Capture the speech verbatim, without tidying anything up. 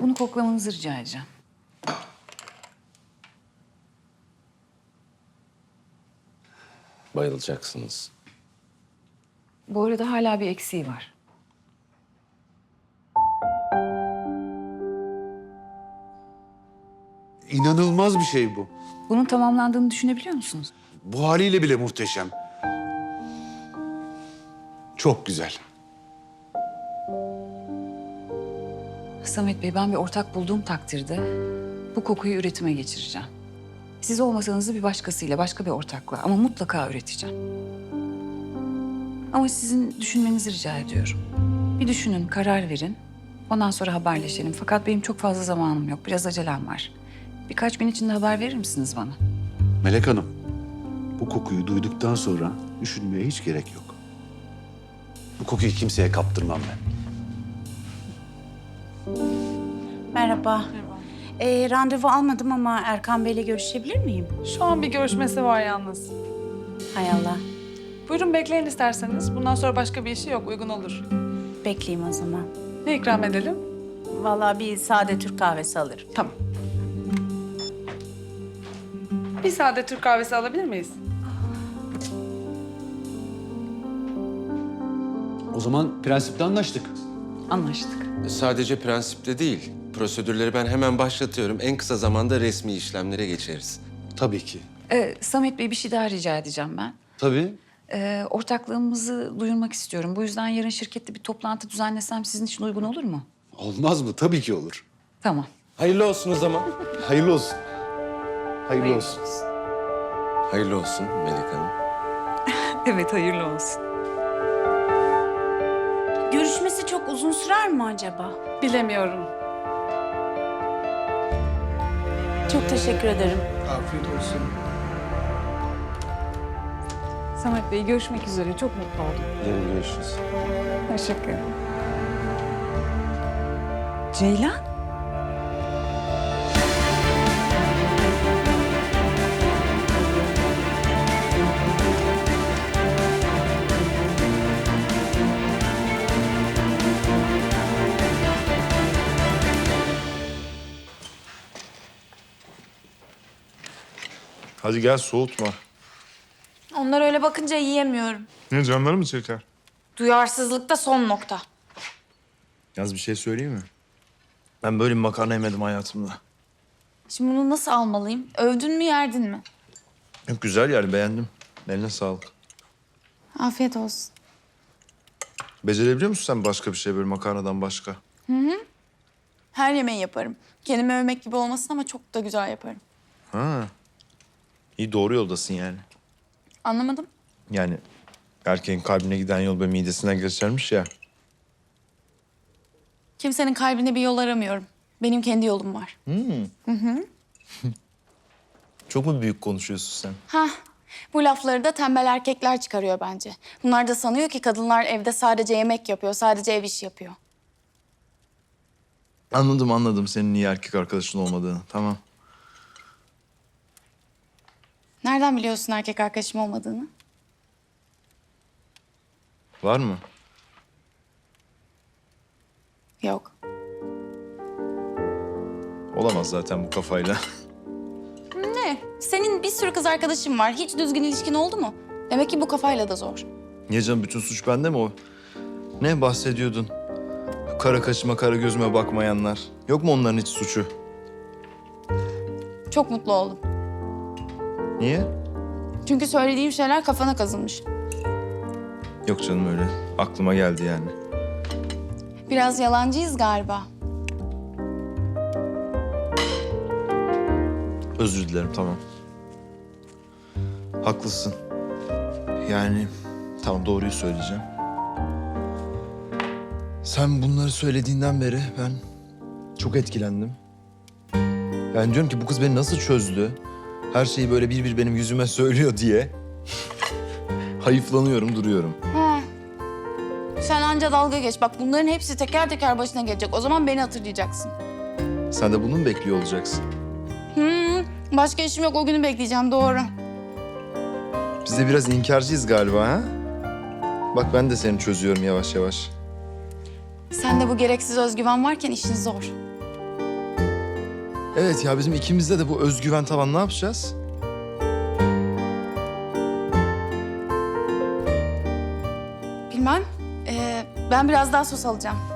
Bunu koklamanızı rica edeceğim. Bayılacaksınız. Bu arada hala bir eksiği var. İnanılmaz bir şey bu. Bunun tamamlandığını düşünebiliyor musunuz? Bu haliyle bile muhteşem. Çok güzel. Samet Bey, ben bir ortak bulduğum takdirde bu kokuyu üretime geçireceğim. Siz olmasanız da bir başkasıyla, başka bir ortakla ama mutlaka üreteceğim. Ama sizin düşünmenizi rica ediyorum. Bir düşünün, karar verin. Ondan sonra haberleşelim. Fakat benim çok fazla zamanım yok, biraz acelem var. Birkaç gün içinde haber verir misiniz bana? Melek Hanım, bu kokuyu duyduktan sonra düşünmeye hiç gerek yok. Bu kokuyu kimseye kaptırmam ben. Merhaba. Ee, randevu almadım ama Erkan Bey'le görüşebilir miyim? Şu an bir görüşmesi var yalnız. Hay Allah. Buyurun bekleyin isterseniz. Bundan sonra başka bir işi yok, uygun olur. Bekleyeyim o zaman. Ne ikram edelim? Vallahi bir sade Türk kahvesi alırım. Tamam. Bir sade Türk kahvesi alabilir miyiz? O zaman prensipte anlaştık. Anlaştık. Sadece prensipte değil, prosedürleri ben hemen başlatıyorum. En kısa zamanda resmi işlemlere geçeriz. Tabii ki. Ee, Samet Bey, bir şey daha rica edeceğim ben. Tabii. Ee, ortaklığımızı duyurmak istiyorum. Bu yüzden yarın şirkette bir toplantı düzenlesem sizin için uygun olur mu? Olmaz mı? Tabii ki olur. Tamam. Hayırlı olsun o zaman. Hayırlı olsun. Hayırlı olsun. Hayırlı olsun Melek Hanım. Evet, hayırlı olsun. Görüşmesi çok uzun sürer mi acaba? Bilemiyorum. Çok teşekkür ederim. Afiyet olsun. Samet Bey, görüşmek üzere. Çok mutlu oldum. Yarın görüşürüz. Teşekkür ederim. Ceylan? Hadi gel soğutma. Onlar öyle bakınca yiyemiyorum. Ne canları mı çeker? Duyarsızlıkta son nokta. Yaz bir şey söyleyeyim mi? Ben böyle bir makarna yemedim hayatımda. Şimdi bunu nasıl almalıyım? Övdün mü yerdin mi? Yok, güzel yani, beğendim. Eline sağlık. Afiyet olsun. Becerebiliyor musun sen başka bir şey böyle makarnadan başka? Her yemeği yaparım. Kendimi övmek gibi olmasın ama çok da güzel yaparım. Ha. İyi, doğru yoldasın yani. Anlamadım. Yani erkeğin kalbine giden yol ve midesinden geçermiş ya. Kimsenin kalbine bir yol aramıyorum. Benim kendi yolum var. Çok mu büyük konuşuyorsun sen? Hah. Bu lafları da tembel erkekler çıkarıyor bence. Bunlar da sanıyor ki kadınlar evde sadece yemek yapıyor, sadece ev işi yapıyor. Anladım anladım senin iyi erkek arkadaşın olmadığını. Tamam. Nereden biliyorsun erkek arkadaşım olmadığını? Var mı? Yok. Olamaz zaten bu kafayla. Ne? Senin bir sürü kız arkadaşın var. Hiç düzgün ilişkin oldu mu? Demek ki bu kafayla da zor. Niye canım, bütün suç bende mi o? Ne bahsediyordun? Kara kaşıma kara gözüme bakmayanlar. Yok mu onların hiç suçu? Çok mutlu oldum. Niye? Çünkü söylediğim şeyler kafana kazınmış. Yok canım, öyle. Aklıma geldi yani. Biraz yalancıyız galiba. Özür dilerim, tamam. Haklısın. Yani tamam, doğruyu söyleyeceğim. Sen bunları söylediğinden beri ben çok etkilendim. Yani diyorum ki bu kız beni nasıl çözdü? Her şeyi böyle bir bir benim yüzüme söylüyor diye. Hayıflanıyorum, duruyorum. Ha. Sen anca dalga geç. Bak bunların hepsi teker teker başına gelecek. O zaman beni hatırlayacaksın. Sen de bunu mu bekliyor olacaksın? Hmm, başka işim yok. O günü bekleyeceğim. Doğru. Biz de biraz inkarcıyız galiba ha? Bak ben de seni çözüyorum yavaş yavaş. Sende bu gereksiz özgüven varken işin zor. Evet ya bizim ikimizde de bu özgüven tavan ne yapacağız? Bilmem. Ee, ben biraz daha sos alacağım.